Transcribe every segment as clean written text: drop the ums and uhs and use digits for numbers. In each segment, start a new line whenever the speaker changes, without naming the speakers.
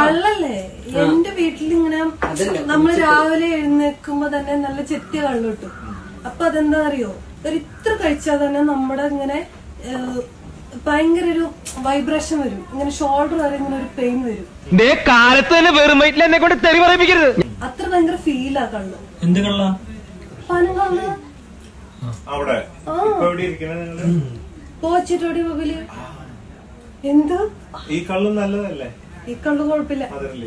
കള്ളല്ലേ എന്റെ വീട്ടിലിങ്ങനെ നമ്മള് രാവിലെ എഴുന്നേൽക്കുമ്പോ തന്നെ നല്ല ചെത്തിയ കള്ളു കിട്ടും. അപ്പൊ അതെന്താ അറിയോ, ഒരു ഇത്ര കഴിച്ചാൽ തന്നെ നമ്മുടെ ഇങ്ങനെ ഭയങ്കര ഒരു വൈബ്രേഷൻ വരും, ഇങ്ങനെ ഷോൾഡർ വരെ ഇങ്ങനെ ഒരു പെയിൻ വരും.
കാലത്ത് തന്നെ വെറും വയറ്റിൽ എന്നെ കൊണ്ട് തെറി പറയിപ്പിക്കരുത്.
അത്ര ഭയങ്കര ഫീലാ കള്ളു.
എന്ത് കള്ള?
പനം കള്ള്. പോച്ചിട്ടോടി മൊബൈല്. എന്ത്
ഈ കള്ളു നല്ലതല്ലേ?
ഈ കള്ളു കുഴപ്പമില്ല.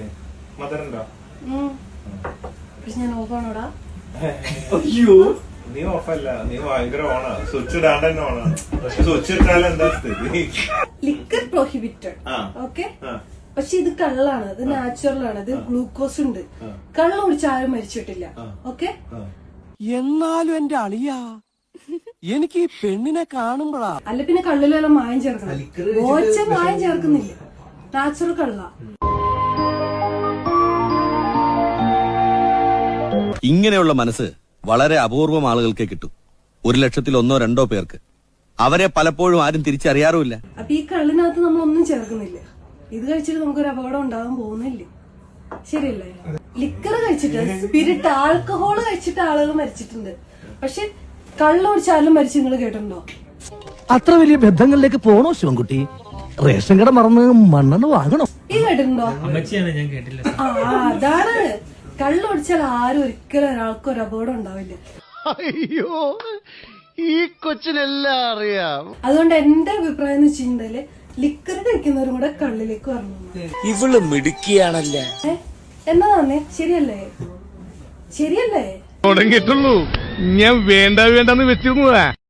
പക്ഷെ ഞാൻ ഓഫാണോടാ.
അയ്യോ, നീ ഓഫല്ല, നീ ഭയങ്കര ഓണാ. സ്വിച്ച് ഇടാണ്ട് തന്നെ ഓണാണ്. സ്വിച്ച് ഇട്ടാൽ എന്താ സ്ഥിതി?
Liquor prohibited. ഓക്കെ, പക്ഷെ ഇത് കള്ളാണ്, ഇത് നാച്ചുറൽ ആണ്, ഇത് ഗ്ലൂക്കോസ് ഉണ്ട്. കള്ള് കുടിച്ച് ആരും മരിച്ചിട്ടില്ല. ഓക്കെ,
എന്നാലും എന്റെ അളിയാ എനിക്ക് ഈ പെണ്ണിനെ കാണുമ്പോഴാ.
അല്ല പിന്നെ കള്ളിലെല്ലാം മായം ചേർക്കണം. ഓച്ച മായം ചേർക്കുന്നില്ല, നാച്ചുറൽ കള്ള.
ഇങ്ങനെയുള്ള മനസ്സ് വളരെ അപൂർവം ആളുകൾക്കേ കിട്ടും. 1,00,000-ൽ 1-2 പേർക്ക്. അവരെ പലപ്പോഴും ആരും തിരിച്ചറിയാറുമില്ല.
അപ്പൊ ഈ കള്ളിനകത്ത് നമ്മളൊന്നും ചേർക്കുന്നില്ല. ഇത് കഴിച്ചിട്ട് നമുക്കൊരു അപകടം ഉണ്ടാകാൻ പോകുന്നില്ല. ശരിയല്ലേ? ലിക്കർ കഴിച്ചിട്ട്, സ്പിരിറ്റ്, ആൽക്കഹോള് കഴിച്ചിട്ട് ആളുകൾ മരിച്ചിട്ടുണ്ട്. പക്ഷെ കള്ള് കുടിച്ചാലും മരിച്ചു. നിങ്ങൾ കേട്ടിട്ടുണ്ടോ?
അത്ര വലിയ ബന്ധങ്ങളിലേക്ക് പോണോ ശിവൻകുട്ടി? റേഷൻ കട മറന്ന് മണ്ണെണ്ണ വാങ്ങണോ?
ഈ കേട്ടിട്ടുണ്ടോ?
ഞാൻ കേട്ടില്ല.
അതാണ്, കള്ള് കുടിച്ചാൽ ആരും ഒരിക്കലും ഒരാൾക്കും ഒരു അപകടം ഉണ്ടാവില്ല.
അയ്യോ, ഈ കൊച്ചിനെല്ലാം അറിയാം.
അതുകൊണ്ട് എന്റെ അഭിപ്രായം എന്ന് വെച്ചിട്ടുണ്ടെങ്കില് ലിക്കർ കഴിക്കുന്നവരും കൂടെ കള്ളിലേക്ക് വരണം.
ഇവള് മിടുക്കിയാണല്ലേ.
എന്നാ തന്നെ, ശരിയല്ലേ? ശരിയല്ലേ?
തുടങ്ങിയിട്ടുള്ളൂ, ഞാൻ വേണ്ടെന്ന് വെച്ചിരുന്നതാ.